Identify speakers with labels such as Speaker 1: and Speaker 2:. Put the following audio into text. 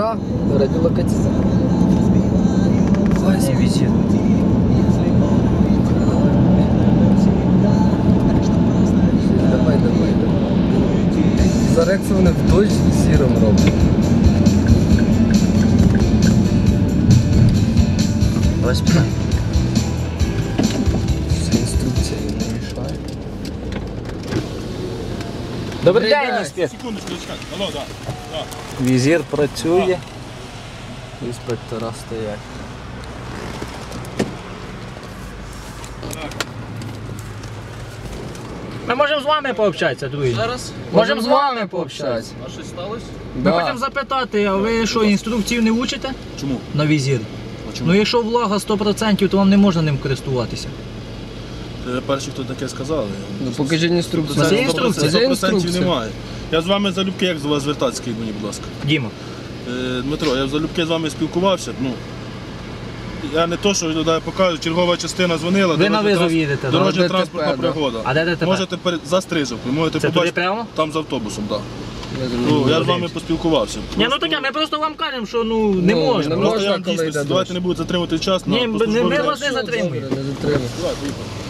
Speaker 1: радіолокація.
Speaker 2: Не візір.
Speaker 1: Давай. За Рексу вони в дощ сіром роблять.
Speaker 2: Без питань.
Speaker 1: Це інструкція не мішає.
Speaker 2: Добрий день, інспектор.
Speaker 3: Секундочку, чекайте. Алло, да.
Speaker 2: Візір працює.
Speaker 1: Інспектора стоять.
Speaker 2: Ми можемо з вами пообщатися, друзі.
Speaker 1: Зараз
Speaker 2: Можемо з вами пообщатися.
Speaker 3: А щось сталося?
Speaker 2: Ми хочемо запитати, а ви що, інструкцію не учите
Speaker 3: Чому?
Speaker 2: на візір?
Speaker 3: А чому?
Speaker 2: Ну якщо влага 100%, то вам не можна ним користуватися.
Speaker 3: Перші, хто таке сказали.
Speaker 1: Ну покажіть інструкцію.
Speaker 2: Це інструкція.
Speaker 1: Це
Speaker 3: 100%
Speaker 1: інструкція. немає.
Speaker 3: Я з вами залюбки, як до вас звертатися, скажіть мені, будь ласка.
Speaker 2: Діма.
Speaker 3: Дмитро, я залюбки з вами спілкувався. Ну, я не то, що я покажу, чергова частина дзвонила.
Speaker 2: Ви на визов їдете, да?
Speaker 3: Дорожня
Speaker 1: ДТП,
Speaker 3: транспортна
Speaker 1: да.
Speaker 3: пригода.
Speaker 2: А де ДТП?
Speaker 3: Можете за Стрижівкою, можете
Speaker 2: Це туди
Speaker 3: побачити.
Speaker 2: прямо?
Speaker 3: Там з автобусом, так.
Speaker 1: Я
Speaker 3: Ну, я з вами поспілкувався.
Speaker 2: Ні, ну таке, ми просто вам кажемо, що ну не можна.
Speaker 1: не
Speaker 3: Просто я
Speaker 1: можна,
Speaker 3: вам
Speaker 1: коли
Speaker 3: дійсно,
Speaker 1: йде
Speaker 3: давайте
Speaker 1: дощ.
Speaker 3: не будете затримувати час.
Speaker 2: Ні,
Speaker 3: на
Speaker 2: ми
Speaker 3: послужбовій
Speaker 2: вас не
Speaker 3: дорозі.
Speaker 2: затримуємо.
Speaker 1: Не затримуємо.
Speaker 3: Давай, поїхали.